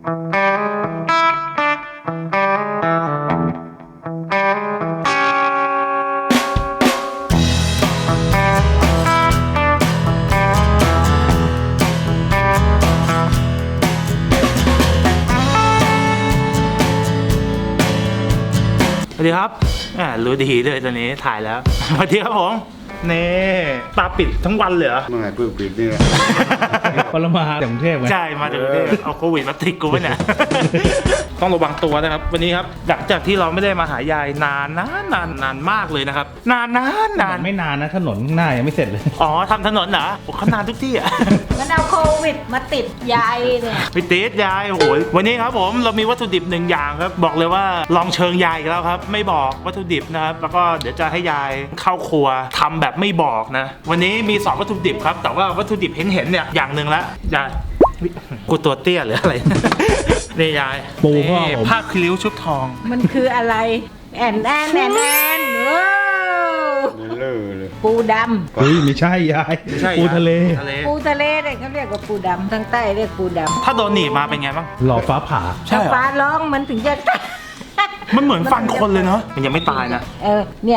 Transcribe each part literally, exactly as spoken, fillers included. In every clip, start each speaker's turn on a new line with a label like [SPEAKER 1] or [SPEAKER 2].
[SPEAKER 1] สวัสดีครับอ่ารู้ดีเลยตอนนี้ถ่ายแล้วสวัสดีครับผมนี่ตาปิดทั้งวันเลยเหรอ
[SPEAKER 2] เมื่อไงเพิ่งปิดเนี่ย
[SPEAKER 3] พลมาจากกรุงเทพไง
[SPEAKER 1] ใช่มาจากกรุงเทพเอาโควิดมาติดกูไว้เนี่ย ต้องระวังตัวนะครับวันนี้ครับหลังจากที่เราไม่ได้มาหายายนานนานนานนานมากเลยนะครับนานนานนาน
[SPEAKER 3] ไม่นานนะถนนข้างหน้ายังไม่เสร็จเลย
[SPEAKER 1] อ๋อทำถนนเหรอโอ้เขานานทุกที่อ่ะ
[SPEAKER 4] มันเอาโควิดมาติดยายเนี่ย
[SPEAKER 1] พี่ติ๊ดยายโอ้โหวันนี้ครับผมเรามีวัตถุดิบหนึ่งอย่างครับบอกเลยว่าลองเชิงยายอีกแล้วครับไม่บอกวัตถุดิบนะครับแล้วก็เดี๋ยวจะให้ยายเข้าครัวทำแบบไม่บอกนะวันนี้มีสองวัตถุดิบครับแต่ว่าวัตถุดิบเห็นเห็นๆเนี่ยอย่างหนึ่งละยายกูตัวเตี้ยหรืออะไร นี่ยาย
[SPEAKER 3] ปูพ่อ
[SPEAKER 1] นี่
[SPEAKER 3] ผม
[SPEAKER 1] ผ้าคลิ้วชุบทอง
[SPEAKER 4] มันคืออะไรแอนแอนแอนแอนโอ้
[SPEAKER 2] เลิกเลย
[SPEAKER 4] ปูด
[SPEAKER 3] เฮ้ยไม่ใช่ยาย
[SPEAKER 1] ไม่ใช่
[SPEAKER 3] ปูทะเล
[SPEAKER 1] ทะเล
[SPEAKER 4] ำปูทะเลเนี่ยเขาเรียกว่าปูดำทางใต้เรียกปูดำ
[SPEAKER 1] ถ้าโดนหนีบมาเป็นไงบ้าง
[SPEAKER 3] หล่อฟ้าผ่า
[SPEAKER 1] ใช่
[SPEAKER 4] ถ้า
[SPEAKER 1] เหรอ
[SPEAKER 4] ฟ้าร้องมันถึงจะ
[SPEAKER 1] มันเหมือนฟันคนเลยเนาะมันยังไม่ตายนะ
[SPEAKER 4] เออเนี่ย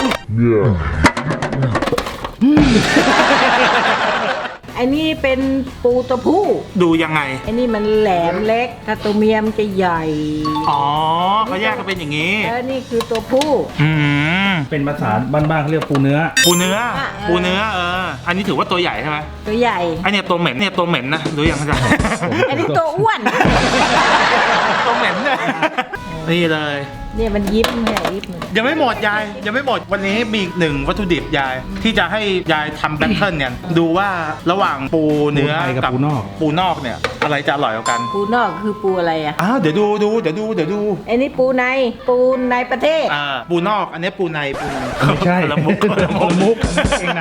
[SPEAKER 4] ไอ้นี่เป็นปูตัวผู้
[SPEAKER 1] ดูยังไง
[SPEAKER 4] ไอ้นี่มันแหลมเล็กถ้าตัวเมียมันจะใหญ่
[SPEAKER 1] อ๋อเขาแยกกันเป็นอย่างนี้
[SPEAKER 4] เออนี่คือตัวผู้
[SPEAKER 1] อืม
[SPEAKER 3] เป็นภาษาบ้านๆเขาเรียกปูเนื้อ
[SPEAKER 1] ปูเนื้อ
[SPEAKER 4] อ่ะเออ
[SPEAKER 1] ปูเนื้อเอออันนี้ถือว่าตัวใหญ่ใช่ไหม
[SPEAKER 4] ตัวใหญ่
[SPEAKER 1] ไอเนี่ยตัวเหม็นเนี่ยตัวเหม็นนะรู้ยังไง
[SPEAKER 4] ไอ้นี่ตัวอ้วน
[SPEAKER 1] ตัวเหม็นเนี่ยนี่เลย
[SPEAKER 4] เนี่ยมันยิ้มเนี่ยยิ้ม
[SPEAKER 1] ยังไม่หมดยายยังไม่หมดวันนี้มีอีกหนึ่งวัตถุดิบยายที่จะให้ยายทำแบทเทิลเนี่ยดูว่าระหว่างปูเนื้อ
[SPEAKER 3] ปูไทยกับปูนอก
[SPEAKER 1] ปูนอกเนี่ยอะไรจะอร่อยกว่ากัน
[SPEAKER 4] ปูนอกคือปูอะไรอ่ะ
[SPEAKER 1] อ้าวเดี๋ยวดูดูเดี๋ยวดูเดี๋ยวดู
[SPEAKER 4] ไอ้นี่ปูในปูในประเทศ
[SPEAKER 1] อ่าปูนอกอันนี้ปูในปูใน
[SPEAKER 3] ไม่ใช่
[SPEAKER 1] คนละมุกคนละ
[SPEAKER 3] คนละมุกเกงใน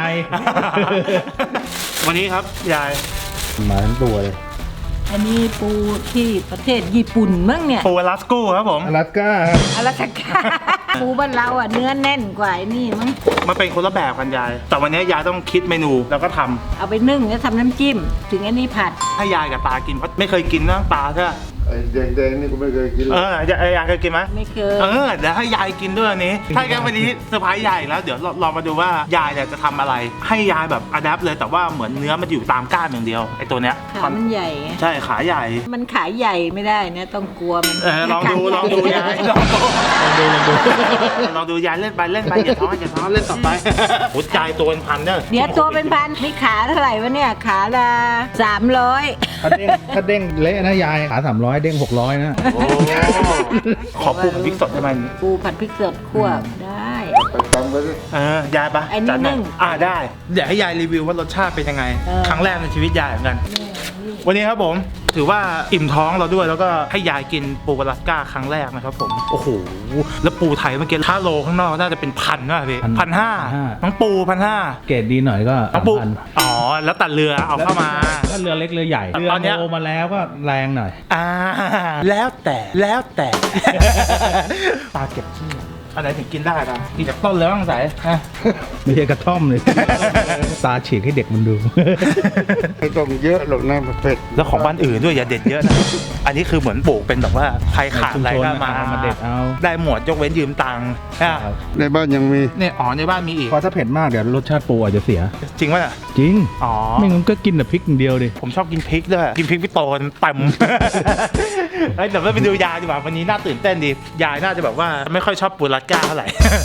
[SPEAKER 1] วันนี้ครับยาย
[SPEAKER 3] มาทั้งตัวเลย
[SPEAKER 4] อันนี้ปูที่ประเทศญี่ปุ่นมั้งเนี่ย
[SPEAKER 1] ปูอลาสกูครับผม
[SPEAKER 3] อลาสก้าครับ
[SPEAKER 4] อลาสก้า ปูบ้านเราอ่ะเนื้อแน่นกว่าไอ้นี่มั้ง
[SPEAKER 1] มันเป็นคนละแบบกันยาย แต่วันนี้ยายต้องคิดเมนูแล้วก็ทำ
[SPEAKER 4] เอาไปนึ่งแล้วทำน้ำจิ้ม ถึงอันนี้ผัด
[SPEAKER 1] ให้ยายกับตากินเพราะไม่เคยกินนะตาใช่ไหม
[SPEAKER 2] ไอ้แดงๆนี่กูไม่เคยกินเล
[SPEAKER 1] เอย อยายยายเคยกินไหม
[SPEAKER 4] ไม่เคย
[SPEAKER 1] เออเดี๋ยวให้ยายกินด้วยอันนี้ ถ้าอย่างนั้นวันนี้เซอร์ไพรส์ยายอีกแล้วเดี๋ยวเราลองมาดูว่ายายเนี่ยจะทำอะไร ให้ยายแบบอัดแอปเลยแต่ว่าเหมือนเนื้อมันอยู่ตามก้านอย่างเดียวไอ้ตัวเนี้ย
[SPEAKER 4] ขามันใหญ่ไง
[SPEAKER 1] ใช่ขาใหญ่
[SPEAKER 4] มันขายใหญ่ไม่ได้นะต้องกลัวมัน
[SPEAKER 1] เออลองดูลองดูยายลองดูลองดูยายเล่นไปเล่นไปอย่าท้ออย่าท้อเล่นต่อไปหัวใจตัวเป็นพันเนี่ย
[SPEAKER 4] เดี๋ยวตัวเป็นพันนี่ขาเท่าไหร่วะเนี่ยขาละสามร้อย
[SPEAKER 3] ถ้าเด้งถ้าเด้งเละนะยายขาสามร้อยเด้งหกร้อยนะ
[SPEAKER 1] โอ้ขอปูกับพริกสดได้ไหม
[SPEAKER 4] ปูผัดพริกสดคั่วได้
[SPEAKER 2] ไปตำไปดิ
[SPEAKER 1] เออยายปะ
[SPEAKER 4] ไอ้นี่
[SPEAKER 1] จัดหอย
[SPEAKER 4] นึ่ง
[SPEAKER 1] อ่าได้เดี๋ยวให้ยายรีวิวว่ารสชาติเป็นยังไง
[SPEAKER 4] เออ
[SPEAKER 1] ครั้งแรกในชีวิตยายเหมือนกัน วันนี้ครับผมถือว่าอิ่มท้องเราด้วยแล้วก็ให้ยายกินปูอลาสก้าครั้งแรกนะครับผมโอ้โหแล้วปูไทยเมื่อกี้ถ้าโลข้างนอกน่าจะเป็นพันนะพี่พันห้าน้องปูพันห้า
[SPEAKER 3] เกรดดีหน่อยก็
[SPEAKER 1] น้อ
[SPEAKER 3] สาง ม
[SPEAKER 1] ปู
[SPEAKER 3] พัน
[SPEAKER 1] อ๋อแล้วตัดเรือเอาเข้ามา
[SPEAKER 3] ถ้าเรือเล็กเรือใหญ่
[SPEAKER 1] ตอน
[SPEAKER 3] เรือ
[SPEAKER 1] เนี้ย
[SPEAKER 3] โมมาแล้วก็แรงหน่อย
[SPEAKER 1] อ่าแล้วแต่แล้วแต่ ตาเก็บชื่ออะไรถึงกินได้ปะกินจากต้นเลยบ้างสายอ่ะ
[SPEAKER 3] ไม่ใช่กระท่อมเลย ตาฉีกให้เด็กมันดู
[SPEAKER 2] ไม่ต้องเยอะหรอกนะเผ็ด
[SPEAKER 1] แล้วของบ้านอื่นด้วยอย่าเด็ดเยอะนะ อันนี้คือเหมือนปลูกเป็นแบบว่าใครขาดอะไรก็มา
[SPEAKER 3] ชุมชนมาเด็ดเอา
[SPEAKER 1] ได้หมดยกเว้นยืมตังค์อ่ะ
[SPEAKER 2] ในบ้านยังมี
[SPEAKER 1] เนี่ยอ๋อในบ้านมีอีก
[SPEAKER 3] พอถ้าเผ็ดมากเดี๋ยวรสชาติปูอาจจะเสีย
[SPEAKER 1] จริงป่ะน่ะ
[SPEAKER 3] จริง
[SPEAKER 1] อ๋อ
[SPEAKER 3] ไม่งั้นก็กินแต่พริกอย่างเดียวดิ
[SPEAKER 1] ผมชอบกินพริกด้วยกินพริกพี่โตนเต็ม เฮ้ยเดี๋ยวเราไปดูยายดีกว่าวันนี้น่าตื่นเต้นดียายน่าจะแบบว่าไม่ค่อยชอบปูรัดก้าเท่าไหร่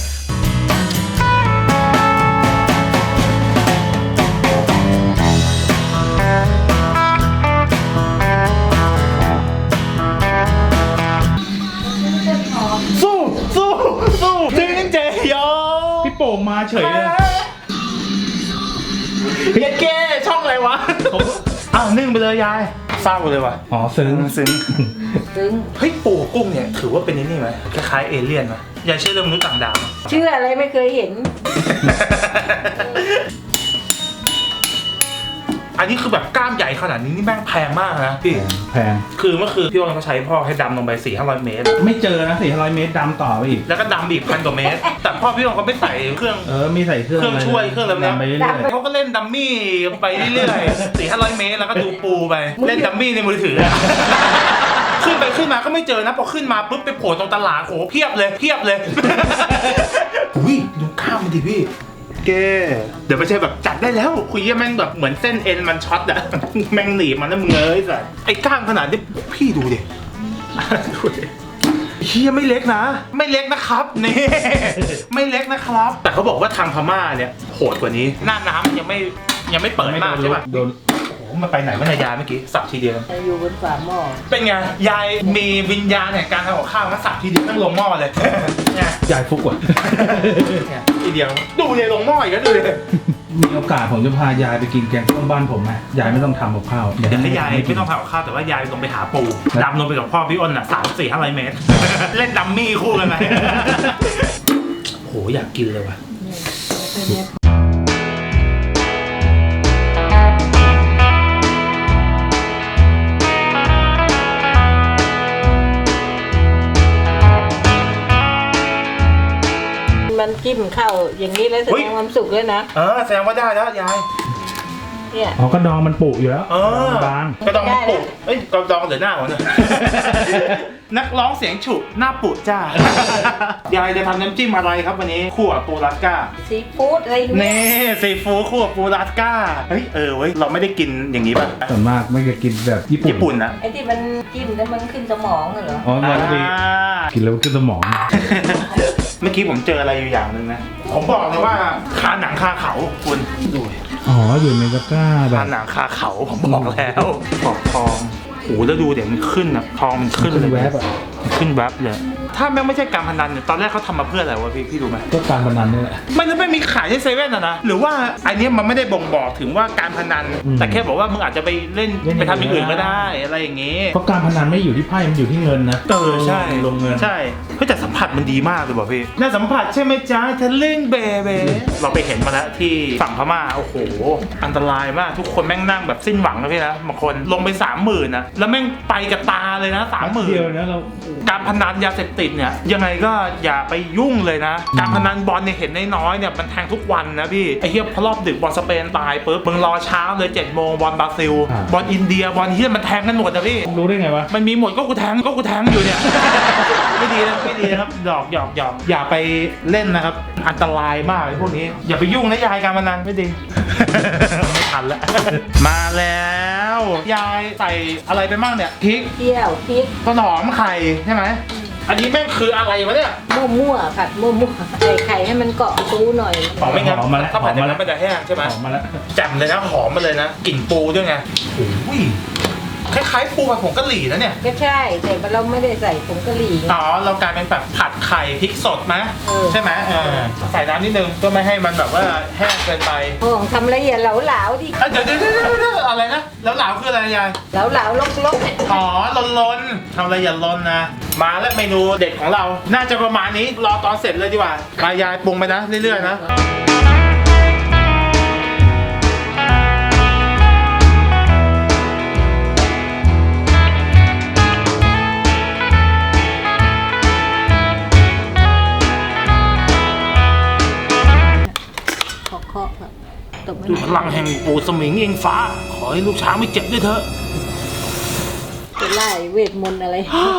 [SPEAKER 1] สู้สู้สู้จริงเจยอ
[SPEAKER 3] พี่โป่งมาเฉยเลย
[SPEAKER 1] เย็ดเก้ช่องอะไรวะอ้าวนึ่งไปเลยยายเศร้าเลยว่ะ
[SPEAKER 3] อ๋อซึ้ง
[SPEAKER 1] ซึ้ง
[SPEAKER 4] ถึง
[SPEAKER 1] เฮ้ยปูกุ้งเนี่ยถือว่าเป็นนี่ไหมคล้ายๆเอเลี่ยนไหมยายเชื่อเรื่องมนุษย์ต่างดาวไหม
[SPEAKER 4] เชื่ออะไรไม่เคยเห็น
[SPEAKER 1] อันนี้คือแบบกล้ามใหญ่ขนาดนี้นี่แม่งแพงมากนะพี่
[SPEAKER 3] แพง
[SPEAKER 1] คือเมื่อคืนพี่วอนเขาใช้พ่อให้ดำลงไปสี่ห้าร้อยเมตร
[SPEAKER 3] ไม่เจอนะสี่ร้อยเมตรดำต่อไปอีก
[SPEAKER 1] แล้วก็ดำอีกพันกว่าเมตร แต่พ่อพี่วอนเขาไม่ใส่เครื่อง
[SPEAKER 3] เออมีใส่เครื่อง
[SPEAKER 1] เครื่องช่วยเครื่องอะไรนะ
[SPEAKER 3] ดำไปเรื่อย
[SPEAKER 1] เขาก็เล่นดัมมี่ไปเรื่อยๆสี่ห้าร้อยเมตรแล้วก็ดูปูไป เล่นดัมมี่ในมือถืออะไปขึ้นมาก็ไม่เจอนะพอขึ้นมาปุ๊บไปโผล่ตรงตลาดโอ้โหเพียบเลยเพียบเลย อุ้ยดูข้าวมันดิพี่แกเดี๋ยวไม่ใช่แบบจัดได้แล้วคุยแม่งแบบเหมือนเส้นเอ็นมันช็อตอะ แม่งหนีบมันนะมึงเอ้ยสัสไอ้ก้างขนาดนี้พี่ดูดิ ดูดิเฮียไม่เล็กนะ ไม่เล็กนะครับนี่ ไม่เล็กนะครับ แต่เขาบอกว่าทางพม่าเนี่ยโหดกว่านี้หน้าน้ำมันยังไม่ยังไม่เปิดมากใช่ปะ
[SPEAKER 3] โดน
[SPEAKER 1] โอ้โหมันไปไหนวะนายยายเมื่อกี้สับทีเดียว
[SPEAKER 4] อยู่บนฝาหม้อ
[SPEAKER 1] เป็นไงยายมีวิญญาณแห่งการทำกับข้าวมาสับทีเดียวตั้งลงหม้อเลย เนี่ย
[SPEAKER 3] ยายฟุกว่ะ
[SPEAKER 1] เนี่ยทีเดียวดูเลยลงหม้ออีกแล้วดูเลย
[SPEAKER 3] มีโอกาสผมจะพายายไปกินแกงส้มบ้านผมไหมยายไม่ต้องทำกับข้าว
[SPEAKER 1] เดี๋ยวให้ยายไม่ต้องทำกับข้าวแต่ว่ายายลงไปหาปูดำลงไปกับพ่อพี่อ้นอ่ะสามสี่ห้าร้อยเมตร เล่นดัมมี่คู่กันไหม โหอยากกินเลยว่ะ
[SPEAKER 4] มันจิ้มเข้าอย่างนี้แล้วแส
[SPEAKER 1] เฮ้
[SPEAKER 4] ด
[SPEAKER 1] ย
[SPEAKER 4] งความสุขเลยนะ
[SPEAKER 1] เออแสดงว่าได้แล้วยาย
[SPEAKER 4] เนี่ย
[SPEAKER 3] อ๋อกระดองมันปุอยู่แล้ว
[SPEAKER 1] เออบ
[SPEAKER 3] าง
[SPEAKER 1] กระดองมันปุเอ้ยกระดองหรือหน้าของเนี่ย นักร้องเสียงฉุหน้าปุจ้า ยายจะทำน้ำจิ้มอะไรครับวันนี้คั่วปูรัสก้า
[SPEAKER 4] ซีฟู้ดอะไรอย่างเงี้ย
[SPEAKER 1] นี่ซีฟู้ดคั่วปูรัสก้าเฮ้ยเออเว้ยเราไม่ได้กินอย่างนี้ป่ะ
[SPEAKER 3] ส่วนมากไม่จะกินแบบญี่ปุ่น
[SPEAKER 1] ญี่ปุ่นนะ
[SPEAKER 4] ไอ้ที่มันจิ้มแล้วมันขึ้นสมองอะเหรอ
[SPEAKER 3] อ๋อมันไป
[SPEAKER 1] อ่า
[SPEAKER 3] กินแล้วขึ้นสมอง
[SPEAKER 1] เมื่อกี้ผมเจออะไรอยู่อย่างหนึ่งนะ ผมบอกเลยว่าคาหนังคาเขาคุณดู
[SPEAKER 3] อ๋ออยู่ในตะกร้าแบ
[SPEAKER 1] คา
[SPEAKER 3] บ
[SPEAKER 1] หนังคาเขาผมบอกแล้วขอบทองโอ้โหแล้วดูเดี๋ยวมันขึ้นอ่ะทองมันขึ้น
[SPEAKER 3] ขึ้น
[SPEAKER 1] เลย
[SPEAKER 3] แวบอ่ะ
[SPEAKER 1] ขึ้นแวบเลย ถ้าแม่งไม่ใช่การพนันเนี่ยตอนแรกเขาทำมาเพื่ออะไรวะพี่พี่รู้ไหม
[SPEAKER 3] ก็การพนันนี่แหละ
[SPEAKER 1] มันจะไม่มีขายที่เซเว่นอะนะหรือว่าอันเนี้ยมันไม่ได้บ่งบอกถึงว่าการพนัน
[SPEAKER 3] อืม
[SPEAKER 1] แต่แค่บอกว่ามึงอาจจะไปเล่น
[SPEAKER 3] เล่น
[SPEAKER 1] ไปทำอย่างอื่น
[SPEAKER 3] อย่างอื่
[SPEAKER 1] ก็
[SPEAKER 3] น
[SPEAKER 1] ได้อะไรอย่างงี้
[SPEAKER 3] เพราะการพนันไม่อยู่ที่ไพ่มันอยู่ที่เงินนะ
[SPEAKER 1] เออใช่
[SPEAKER 3] ลงเงิน
[SPEAKER 1] ใช่เฮ้ยแต่สัมผัสมันดีมากเลยบอกพี่น่าสัมผัสใช่ไหมจ๊ะทะลึ่งเบเบเราไปเห็นมาแล้วที่ฝั่งพม่าโอ้โหอันตรายมากทุกคนแม่งนั่งแบบสิ้นหวังนะพี่นะบางคนลงไปสามหมื่นนะแล้วแม่งไปกับตาเลยนะสามหมื่น
[SPEAKER 3] เดียวนะเรา
[SPEAKER 1] การพนันยาเสพติดเนี่ยยังไงก็อย่าไปยุ่งเลยนะ การพนันบอลเนี่ยเห็นน้อยๆเนี่ยมันแทงทุกวันนะพี่ไอ้เหี้ยพอรอบดึกบอลสเปนตายปุ๊บมึงรอเช้าเลยเจ็ดโมงบอลบราซิลบอลอินเดียบอลเหี้ยมันแทงกันหมดนะพี่
[SPEAKER 3] รู้ได้ไงวะ
[SPEAKER 1] มันมีหมดก็กูแทงก็กูแทงอยู่เนี่ย ไม่ดีนะไม่ดีนะครับหยอกหยอกหยอกอย่าไปเล่นนะครับ อันตรายมากไอ้พวกนี้ อย่าไปยุ่งนะยายการพนันไม่ดี ไม่ทันแล้ว มาแล้วยายใส่อะไรไปบ้างเนี่ยพริก
[SPEAKER 4] เที่ยวพริก
[SPEAKER 1] ต้นหอมไข่ใช่ไหมอันนี้แม่งคืออะไรวะเนี่ย
[SPEAKER 4] มั่วๆผัดมั่วๆใส่ไข่ให้มันเกาะปูหน่อย
[SPEAKER 1] หอมไม่งั้น
[SPEAKER 3] หอมมาแล้ว
[SPEAKER 1] ถ้าผัดอย่าง
[SPEAKER 3] หอมมาแล้
[SPEAKER 1] นั้
[SPEAKER 3] ว
[SPEAKER 1] นมันจะแห้งใช่ไหม
[SPEAKER 3] ออกมาแล้ว
[SPEAKER 1] แจ่มเลยนะหอมมาเลยนะกลิ่นปูด้วยไงโอ้ยคล้ายๆปูผัดผงกะหรี่นะเนี่ย
[SPEAKER 4] ก็ใช่แต่เราไม่ได้ใส่ผงกะหรี่ไง
[SPEAKER 1] อ๋อเรากลายเป็นแบบผัดไข่พริกสดไหม
[SPEAKER 4] เออ
[SPEAKER 1] ใช่ไหมเออใส่น้ำนิดนึงเพื่อไม่ให้มันแบบว่าแห้งเกินไป
[SPEAKER 4] โอ่งทำละเอียดเหลาๆดิ
[SPEAKER 1] เอ้ยเดี๋ยวเดี๋ยวเดี๋ยวเดี๋ยวอะไรนะแล้วเหลาคืออะไรยาย
[SPEAKER 4] เหลาๆลก
[SPEAKER 1] อ๋อล้นล้นๆทำอะไรอย่าล้นนะ มาแล้วเมนูเด็ดของเราน่าจะประมาณนี้รอตอนเสร็จเลยดีกว่ามายายปรุงไปนะเรื่อยๆนะ
[SPEAKER 4] ๆเคาะๆแบบตบไม่
[SPEAKER 1] ด้วยพลังแห่งปู่สมิงเองฟ้า ขอให้ลูกช้างไม่เจ็บด้วยเถอะ
[SPEAKER 4] จะไล่เวทมนต์อะไร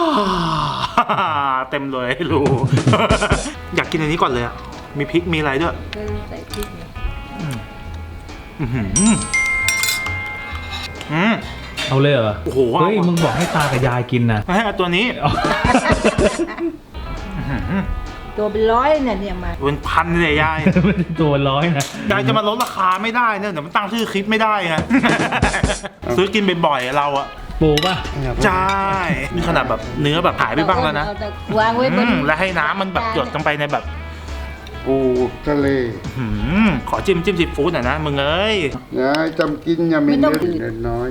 [SPEAKER 1] เต็มเลยรู้ อยากกินอันนี้ก่อนเลยอะมีพริกมีอะไรด้วย
[SPEAKER 4] เออใส่พริกเนี่ย
[SPEAKER 1] อือหืออืม
[SPEAKER 3] เอาเลยเหรอ
[SPEAKER 1] โอ้โห
[SPEAKER 3] เฮ้ยมึงบอกให้ตากับยายกินนะ
[SPEAKER 1] ให้เอาตัวนี้อื้อหือ
[SPEAKER 4] ตัวเป็นร้อยเนี่ยเนี่ยมา
[SPEAKER 1] เป็นพันเลยยาย
[SPEAKER 3] ไม่ได้ตัวร้อยนะ
[SPEAKER 1] ยายจะมาลดราคาไม่ได้เนี่ยเดี๋ยวมันตั้งชื่อคลิปไม่ได้ไง ซื้อกินบ่อยๆเราอะ
[SPEAKER 3] ปูป่ะ
[SPEAKER 1] ใช่นี่ขนาดแบบเนื้อแบบหายไปบ้างแล้วนะ
[SPEAKER 4] เอาแต่วางไว้บน
[SPEAKER 1] อืมแล้วให้น้ำมันแบบหยดลงไปในแบบปู
[SPEAKER 2] ทะเล
[SPEAKER 1] หืมขอจิ้มจิ้มซีฟู้ดหน่อยนะมึงเอ้ย
[SPEAKER 2] นะจำกินอย่ามีเนื้อเล็กน้อย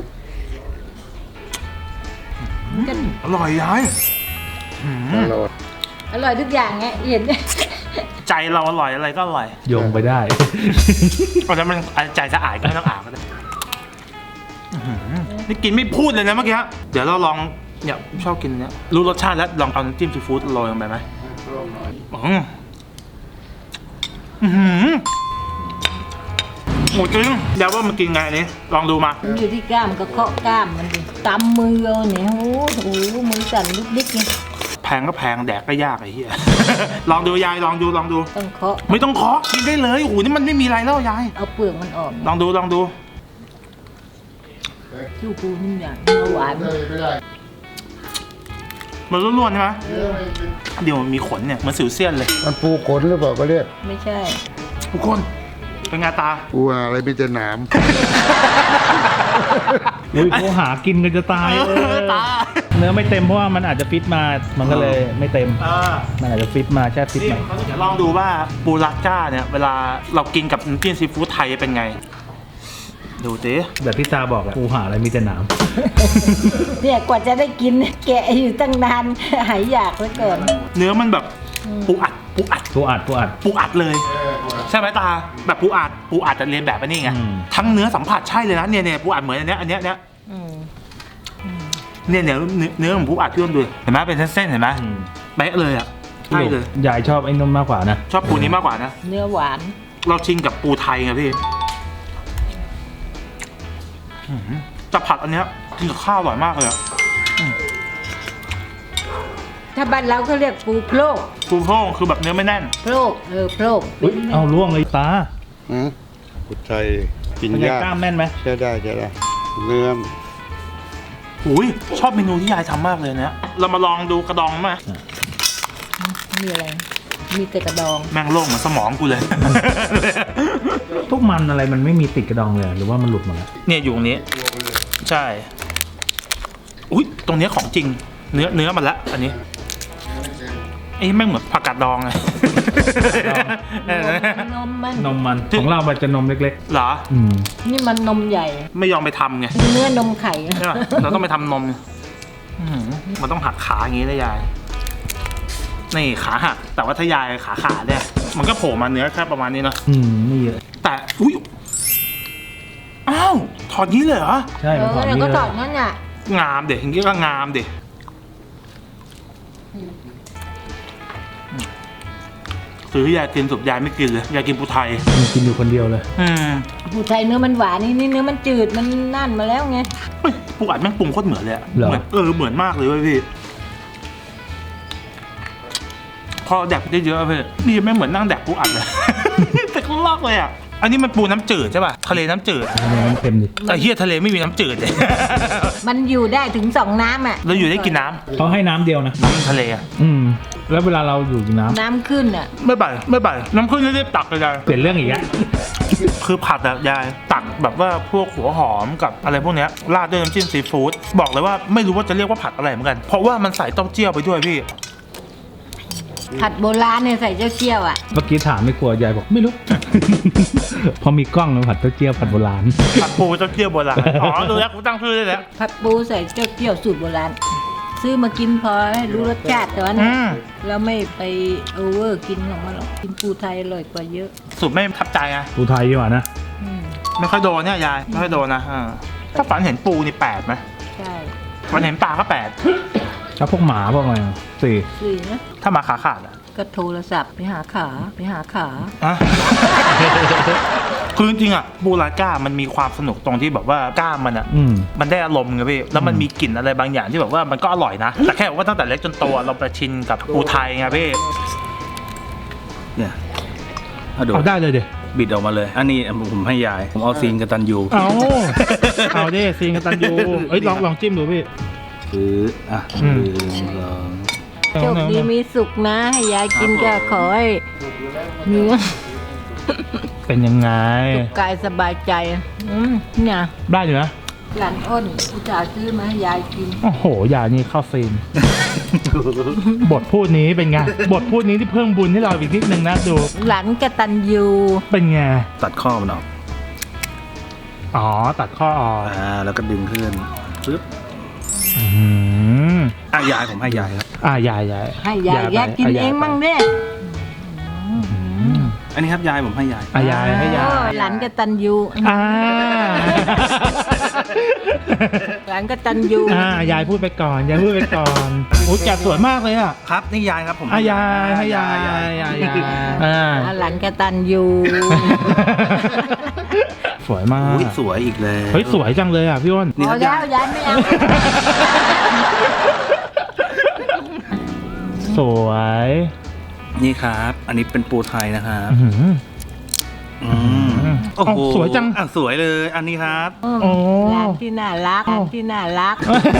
[SPEAKER 1] อร่อยยายหืม
[SPEAKER 2] ตลอด
[SPEAKER 4] อร่อยทุกอย่างไงเห็น
[SPEAKER 1] ใจเราอร่อยอะไรก็อร่อย
[SPEAKER 3] โยงไปได้
[SPEAKER 1] เพราะฉะนั้นมันใจสะอาดก็ไม่ต้องอาบก็ได้อื้อหือนี่กินไม่พูดเลยนะเมื่อกี้เดี๋ยวเราลองเนี่ยชอบกินเนี่ยรู้รสชาติแล้วลองเอาน้ำจิ้มซีฟู้ดโรยลงไปไหมอืมอื้อหือหมูจริงเดี๋ยวว่ามันกินไงอันนี้ลองดูมา
[SPEAKER 4] มันอยู่ที่กล้ามก็เคาะกล้ามมันดิตำมือเอาเนี่ยโอ้โหมือสั่นลุกดิ๊กไง
[SPEAKER 1] แพงก็แพงแดกก็ยากไอ้เหี้ย ลองดูยายลองดูลองดู
[SPEAKER 4] ต้องเคาะ
[SPEAKER 1] ไม่ต้องเคาะกินได้เลยโอ้โหนี่มันไม่มีอะไรแล้วยาย
[SPEAKER 4] เอาเปลือกมันออก
[SPEAKER 1] ลองดูลองดู
[SPEAKER 4] ชูปูนี่อย่างเนื้อหวาน
[SPEAKER 2] ไม่ได้ไม่ได้
[SPEAKER 1] มันล้วนๆใช่ไหม
[SPEAKER 2] เนื้อไม่เป็น
[SPEAKER 1] เดี๋ยวมันมีขนเนี่ยเหมันสิวเซียนเลย
[SPEAKER 2] มันปูขนหรือเปล่าก็เรียก
[SPEAKER 4] ไม่ใช่
[SPEAKER 1] ทุกคนเป็นไงตา
[SPEAKER 2] ปูอะไรมีแต่หนาม
[SPEAKER 3] อุ้ยเขาหากินกันจะตาย
[SPEAKER 1] เออตา
[SPEAKER 3] เนื้อไม่เต็มเพราะว่ามันอาจจะฟิตมา มันก็เลยไม่เต็ม
[SPEAKER 1] เออ
[SPEAKER 3] มันอาจจะฟิตมาแช่ฟิต
[SPEAKER 1] นี่
[SPEAKER 3] มา
[SPEAKER 1] เดี๋ยวลองดูว่าปูรัดก้าเนี่ยเวลาเรากินกับน้ำจิ้มซีฟู้ดไทยเป็นไง ดูสิ
[SPEAKER 3] แบบที่ตาบอกอะกูหาอะไรมีแต่หนาม
[SPEAKER 4] เนี่ยกว่าจะได้กินแกะอยู่ตั้งนานหายอยากแล้วก่อน
[SPEAKER 1] เนื้อมันแบบปูอัดปูอัด
[SPEAKER 3] กูอัดกูอัด
[SPEAKER 1] ปูอัดเลย ใช่ไหมตาแบบปูอัดปูอัดจะเรียนแบบอันนี้ไง
[SPEAKER 3] อืม
[SPEAKER 1] ทั้งเนื้อสัมผัสใช่เลยนะเนี่ยเนี่ยปูอัดเหมือนอันเนี้ยอันเนี้ยเนี้ย
[SPEAKER 4] อืม
[SPEAKER 1] เนี่ยเนี่ยเนื้อเนื้อของปูอัดพี่ต้นดูเห็นไหมเป็นเส้นๆเห็นไหม
[SPEAKER 3] อืม
[SPEAKER 1] เป๊ะเลยอ่ะใช่เลย
[SPEAKER 3] ยายชอบไอ้นมมากกว่านะ
[SPEAKER 1] ชอบปูนี้มากกว่านะ
[SPEAKER 4] เนื้อหวาน
[SPEAKER 1] เราชินกับปูไทยไงพี่อื้อหือจะผัดอันเนี้ยกินกับข้าวอร่อยมากเลยอะ
[SPEAKER 4] ถ้าบ้านเราเขาเรียกปูโพรก
[SPEAKER 1] ปูโพร่งคือแบบเนื้อไม่แน่น
[SPEAKER 4] โพรกเออโพรก
[SPEAKER 3] อุ๊ยเอาล่วงเลยตา
[SPEAKER 2] หืมกุดไทยกิน
[SPEAKER 3] เป็นไง
[SPEAKER 2] ยาก
[SPEAKER 3] กล้ามแน่นไหม
[SPEAKER 2] ใช่ได้ใช่ได้เนื้อ
[SPEAKER 1] อุ้ยชอบเมนูที่ยายทำมากเลยเนี่ยเรามาลองดูกระดองไหม
[SPEAKER 4] มีอะไร มีแต่กระดอง
[SPEAKER 1] แม่งโล่งเหมือนสมองกูเลย
[SPEAKER 3] พวกมันอะไรมันไม่มีติดกระดองเลยหรือว่ามันหลุดหมดแล้ว
[SPEAKER 1] เนี่ยอยู่ตรงนี้ ใช่ อุ้ยตรงเนี้ยของจริง เนื้อเนื้อมันละอันนี้ไอ้แม่งเหมือนผักกาดดองไง
[SPEAKER 4] นมมัน
[SPEAKER 3] นมมันของเรามันจะนมเล็ก
[SPEAKER 1] เหรอ
[SPEAKER 3] ๆ อืม
[SPEAKER 4] นี่มันนมใหญ่
[SPEAKER 1] ไม่ยอมไปทำไง
[SPEAKER 4] เนื้อนมไข่
[SPEAKER 1] ใช่ป่ะเราต้องไปทำนมอื้อหือมันต้องหักขาอย่างนี้เลยยาย นี่ขาหัก แต่ว่าถ้ายายขาขาดเนี่ย มันก็โผล่มาเนื้อแค่ประมาณนี้เนอะ
[SPEAKER 3] อืมไม่เยอะ
[SPEAKER 1] แต่อุ้ยอ้าวถอดนี้เลยเหรอ
[SPEAKER 3] ใช่
[SPEAKER 4] เอ
[SPEAKER 3] มัน
[SPEAKER 4] อ
[SPEAKER 3] ถอด
[SPEAKER 4] แล้ว
[SPEAKER 3] นี้
[SPEAKER 4] ก็
[SPEAKER 3] เล
[SPEAKER 4] ตอย ดนั่นน่ะ
[SPEAKER 1] งามเด็กอย่างนี้ก็งามเด็กซื้อยายกินสุดยายไม่กินเลยยายกินปูไทย
[SPEAKER 3] มันกินอยู่คนเดียวเลย
[SPEAKER 1] อืม
[SPEAKER 4] ปูไทยเนื้อมันหวานนี่นี่เนื้อมันจืดมันนั่นมาแล้วไง
[SPEAKER 1] เฮ้ยปูอัดแม่งปรุงโคตรเหมือนเลยอะ
[SPEAKER 3] เหรอ
[SPEAKER 1] เหมือนเออเหมือนมากเลยเว้ยพี่พอแดกได้เยอะๆพี่นี่แม่งเหมือนนั่งแดกปูอัดเลย แต่ก็ลอกเลยอ่ะอันนี้มันปูน้ำจืดใช่ป่ะทะเลน้ำจืด
[SPEAKER 3] ทำไมมันเค็มดิ
[SPEAKER 1] แต่เฮียทะเลไม่มีน้ำจืดเลย
[SPEAKER 4] มันอยู่ได้ถึงสองน้ำอ่ะ
[SPEAKER 1] เราอยู่ได้กินน้ำ
[SPEAKER 3] เขาให้น้ำเดียวนะ
[SPEAKER 1] น้ำทะเลอะ
[SPEAKER 3] อืม แล้วเวลาเราอยู่กินน้ำ
[SPEAKER 4] น้ำขึ้นอ่ะ
[SPEAKER 1] ไม่บ่ายไม่บ่ายน้ำขึ้นรีบตักเลยยาย
[SPEAKER 3] เปลี่ยนเรื่องอีกแล้ว
[SPEAKER 1] คือผัดอะยายตักแบบว่าพวกหัวหอมกับอะไรพวกเนี้ยราดด้วยน้ำจิ้มซีฟู้ดบอกเลยว่าไม่รู้ว่าจะเรียกว่าผัดอะไรเหมือนกัน เพราะว่ามันใส่เต้าเจี้ยวไปด้วยพี่
[SPEAKER 4] ผัดโบราณเนี่ยใส่เจ้าเจี้ยวอ่ะ
[SPEAKER 3] เมื่อกี้ถามไม่กลัวยายบอกไม่รู้ พอมีกล้องแล้วผัดเต้าเจี้ยวผัดโบราณ
[SPEAKER 1] ผัดปูเต้าเจี้ยวโบราณอ๋อดูแล้วกูตั้งชื่อได้แล้ว
[SPEAKER 4] ผัดปูใส่เจ้าเจี้ยวสูตรโบราณ ซื้อมากินพอให้รู้รสชาติแต่ว่า
[SPEAKER 1] อืม
[SPEAKER 4] เราไม่ไปโอเวอร์กินของมันหรอกกินปูไทยอร่อยกว่าเยอะ
[SPEAKER 1] สุดไม่ทับใจไง
[SPEAKER 3] ปูไทยดีกว่านะ
[SPEAKER 4] อืม
[SPEAKER 1] ไม่ค่อยโดนเนี่ยยายไม่ค่อยโดนนะอ่าถ้าฝันเห็นปูนี่แปดไหม
[SPEAKER 4] ใช่
[SPEAKER 1] ฝันเห็นปลาก็แปด
[SPEAKER 3] แล้วพวกหมาพวกอะไรอ่ะสี่
[SPEAKER 4] สี่นะ
[SPEAKER 1] ถ้ามาขาขาดอะ
[SPEAKER 4] ก็โทรศัพท์ไปหาขาไปหาขา
[SPEAKER 1] อะ คือจริงๆอะปูราก้ามันมีความสนุกตรงที่แบบว่ากล้ามมันอะ
[SPEAKER 3] อืม
[SPEAKER 1] มันได้อารมณ์ไงพี่ แล้วมันมีกลิ่นอะไรบางอย่างที่แบบว่ามันก็อร่อยนะ แต่แค่ว่าตั้งแต่เล็กจนโตเราไปชินกับปูไทยไงพี่
[SPEAKER 5] เนี่ยเอาดู
[SPEAKER 3] เอาได้เลยเดี๋ยว
[SPEAKER 5] บิดออกมาเลย อันนี้ผมให้ยาย ผมเอาซีนกตันยู
[SPEAKER 3] เอาเอาดิซีนกันตันยูเอ้ยลองลองจิ้มดูพี่
[SPEAKER 5] คืออ่ะ
[SPEAKER 3] อืม
[SPEAKER 5] หนึ่งสอง
[SPEAKER 4] โชคดีมีสุขนะ ให้ยายกินก็ขอให้เนื้อ
[SPEAKER 3] เป็นยังไง
[SPEAKER 4] สุขกายสบายใจอืมเนี่ย
[SPEAKER 3] ได้อยู่นะ
[SPEAKER 4] หลานอ้นอุตส่าห์ซื้อมาให้ยายกิน
[SPEAKER 3] โอ้โหยานี่เข้าซีน บทพูดนี้เป็นไง บทพูดนี้ที่เพิ่มบุญให้เราอีกนิดนึงนะดู
[SPEAKER 4] หลานกตัญญู
[SPEAKER 3] เป็นไง
[SPEAKER 5] ตัดข้อมันออก
[SPEAKER 3] อ๋อ ตัดข้อออก
[SPEAKER 5] อ่า แล้วก็ดึงขึ้นปึ๊บ
[SPEAKER 3] อืม
[SPEAKER 5] อ่ะยายผมให้ยายครับ
[SPEAKER 3] อ่ายายยาย
[SPEAKER 4] ให้ยายยายกินเองมั่งเด้
[SPEAKER 3] อืม
[SPEAKER 5] อันนี้ครับยายผมให้ยาย
[SPEAKER 3] อ่ายายให้ยาย
[SPEAKER 4] โอ้หลานกตัญญู
[SPEAKER 3] อ่า
[SPEAKER 4] หลานกตัญญู
[SPEAKER 3] อ่ายายพูดไปก่อนยายพูดไปก่อนโอ้ยแกะสวยมากเลยอ่ะ
[SPEAKER 5] ครับนี่ยายครับผม
[SPEAKER 3] อ่ายายให้ยายยายยายยายอ่า
[SPEAKER 4] หลานกตัญญู
[SPEAKER 3] สวยมาก
[SPEAKER 5] อุ้ยสวยอีกเลย
[SPEAKER 3] เฮ้ยสวยจังเลยอ่ะพี่อ้น
[SPEAKER 5] นี่
[SPEAKER 4] พ
[SPEAKER 5] ค
[SPEAKER 4] อ
[SPEAKER 5] รับ
[SPEAKER 4] แล้ว
[SPEAKER 5] ยาย
[SPEAKER 4] ยายไม่เอา
[SPEAKER 3] วย
[SPEAKER 5] นี่ครับ อันนี้เป็นปูไทยนะครับ
[SPEAKER 3] อื้อหือ
[SPEAKER 5] อืมโอ้โห
[SPEAKER 3] สวยจัง
[SPEAKER 5] อ่ะสวยเลย อันนี้ครับ
[SPEAKER 3] โอ้
[SPEAKER 4] ร้านที่น่ารักร้านที่น่ารัก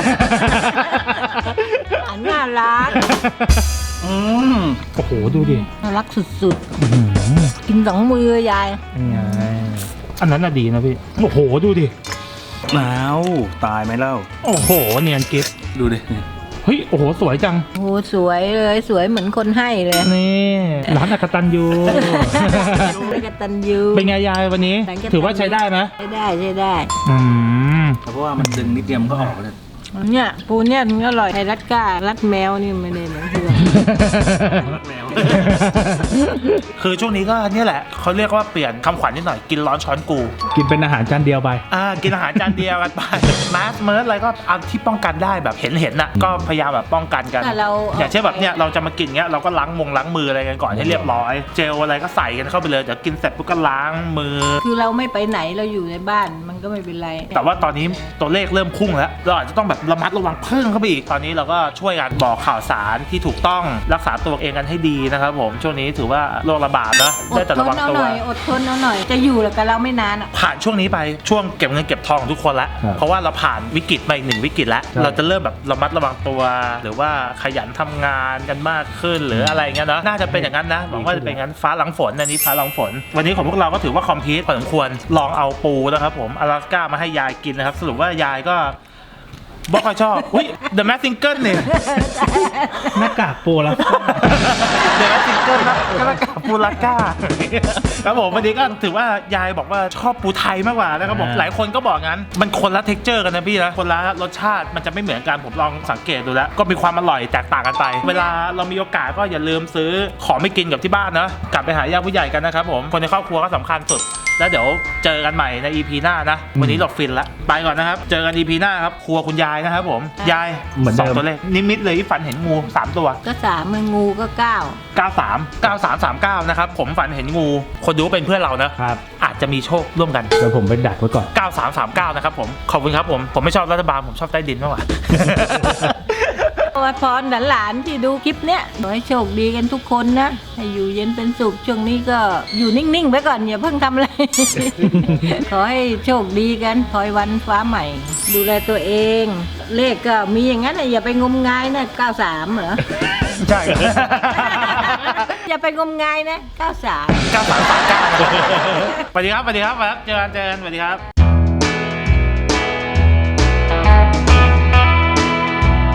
[SPEAKER 4] อันน่ารัก
[SPEAKER 5] อืม
[SPEAKER 3] โอ้โหดูดิ
[SPEAKER 4] น่ารักสุด
[SPEAKER 3] อื้อหือ
[SPEAKER 4] ๆ กินสองมือยาย
[SPEAKER 3] เป็นไงอันนั้นน่ะดีนะพี่โอ้โหดูดิ
[SPEAKER 5] อ้าวตายไหมเล่า
[SPEAKER 3] โอ้โหเนียนกิฟ
[SPEAKER 5] ดูดิ
[SPEAKER 3] เฮ้ยโอ้โหสวยจัง
[SPEAKER 4] โอ้สวยเลยสวยเหมือนคนให้เลย
[SPEAKER 3] นี่ร้านอักตันยู
[SPEAKER 4] กตันยู
[SPEAKER 3] เป็นไงยายวันนี้
[SPEAKER 4] ร้านกตัญญู
[SPEAKER 3] ถือว่าใช้ได้ไหม
[SPEAKER 4] ใช้ได้ใช้ได้
[SPEAKER 3] อืม
[SPEAKER 5] เพราะว่ามันดึงนิดเดียวมันก็ออกเลย
[SPEAKER 4] เนี่ยปูเนี่ยมันอร่อยไทยรัดก้ารัดแมวนี่ไม่ได้เหมือนเพื่อน
[SPEAKER 5] แมว
[SPEAKER 1] คือช่วงนี้ก็เนี่ยแหละเขาเรียกว่าเปลี่ยนคำขวัญนิดหน่อยกินร้อนช้อนกู
[SPEAKER 3] กินเป็นอาหารจานเดียวไป
[SPEAKER 1] อ่ากินอาหารจานเดียวกันไป มาสเมิร์สอะไรก็เอาที่ป้องกันได้แบบเห็นเห็นน่ะก็พยายามแบบป้องกันกัน
[SPEAKER 4] แต่เรา
[SPEAKER 1] อย่างเช่นแบบเนี้ยเราจะมากินเงี้ยเราก็ล้างมงล้างมืออะไรกันก่อนให้เรียบร้อย เจลอะไรก็ใส่กันเข้าไปเลยเดี๋ยวกินเสร็จปุ๊บก็ล้างมือ
[SPEAKER 4] คือเราไม่ไปไหนเราอยู่ในบ้านมันก็ไม่เป็นไร
[SPEAKER 1] แต่ว่าตอนนี้ตัวเลขเริ่มพุ่งแล้วเราอาจจะต้องแบบระมัดระวังเพิ่มเข้าไปอีกตอนนี้เราก็ช่วยกันบอกข่าวสารที่ถูกต้องรักษาตัวเองกันให้ดีนะครับผมช่วงนี้ถือว่าโรคระบาดนะ
[SPEAKER 4] อ
[SPEAKER 1] ได้
[SPEAKER 4] ด
[SPEAKER 1] แต่
[SPEAKER 4] ท
[SPEAKER 1] ระ
[SPEAKER 4] น
[SPEAKER 1] วัง
[SPEAKER 4] เอา
[SPEAKER 1] ตั
[SPEAKER 4] ห
[SPEAKER 1] ว
[SPEAKER 4] น่อยอดทนเอาหน่อยจะอยู่กับเราไม่นานอ่ะ
[SPEAKER 1] ผ่านช่วงนี้ไปช่วงเก็บเงินเก็บทองของทุกคนแล้ว
[SPEAKER 3] ครับ
[SPEAKER 1] เพราะว่าเราผ่านวิกฤตมาอีกหนึ่งวิกฤตแล้ว
[SPEAKER 3] ครับ
[SPEAKER 1] เราจะเริ่มแบบระมัดระวังตัว หรือว่าขยันทำงานกันมากขึ้นหรืออะไรเงี้ยเนาะน่าจะเป็นอย่างนั้นนะหวังว่าจะเป็นอย่างนั้นฟ้าหลังฝนอันนี้ฟ้าหลังฝน วันนี้ของพวกเราก็ถือว่าคอมพลีทพอสมควรลองเอาปูนะครับผมอลาสก้ามาให้ยายกินนะครับสรุปว่ายายก็บอกว่าชอบอุ้ย The Mask Singer เนี่ย
[SPEAKER 3] หน้ากากปูแล้ว
[SPEAKER 1] เดี๋ยวซิงเกิลนะก็แล้วกับปูลาก้าครับผมวันนี้ก็ถือว่ายายบอกว่าชอบปูไทยมากกว่านะครับผม
[SPEAKER 3] อ่า
[SPEAKER 1] หลายคนก็บอกงั้นมันคนละเท็กเจอร์กันนะพี่นะคนละรสชาติมันจะไม่เหมือนกันผมลองสังเกตดูแล้ว ก็มีความอร่อยแตกต่างกันไป เวลาเรามีโอกาสก็อย่าลืมซื้อของไม่กินกับที่บ้านนะกลับไปหาญาติผู้ใหญ่กันนะครับผมคนในครอบครัวก็สำคัญสุด แล้วเดี๋ยวเจอกันใหม่ใน อี พี หน้านะวันนี้เราฟินละไปก่อนนะครับเจอกัน อี พี หน้าครับครัวคุณยายนะครับผมยาย
[SPEAKER 3] เหมือนเดิม
[SPEAKER 1] สองตัวเลขนิมิตเลยที่ฝันเห็นงูสามตัว
[SPEAKER 4] ก็สามมืองูก็เก้า
[SPEAKER 1] เก้าสาม เก้าสาม สามเก้า นะครับ ผมฝันเห็นงู คนดูเป็นเพื่อนเรานะ
[SPEAKER 3] ครับ
[SPEAKER 1] อาจจะมีโชคร่วมกัน
[SPEAKER 3] เดี๋ยวผมไปดักไว้ก่อน
[SPEAKER 1] เก้าสาม สามเก้า นะครับผม ขอบคุณครับผม ผมไม่ชอบรัฐบาล ผมชอบใต้ดินมากกว่า
[SPEAKER 4] อวยพรหลานๆที่ดูคลิปเนี้ยขอให้โชคดีกันทุกคนนะ ให้อยู่เย็นเป็นสุขช่วงนี้ก็อยู่นิ่งๆไว้ก่อนอย่าเพิ่งทำอะไร ขอให้โชคดีกันคอยวันฟ้าใหม่ ดูแลตัวเอง เลขก็มีอย่างนั้นนะอย่าไปงมงายนะเก้าสามเหรอ
[SPEAKER 1] ใช่
[SPEAKER 4] อย่าไปงมงายนะเก้าสาม
[SPEAKER 1] เก้าสาม สามเก้า สวัสดีครับ สวัสดีครับครับเจอกันเจอกันสวัสดีครับ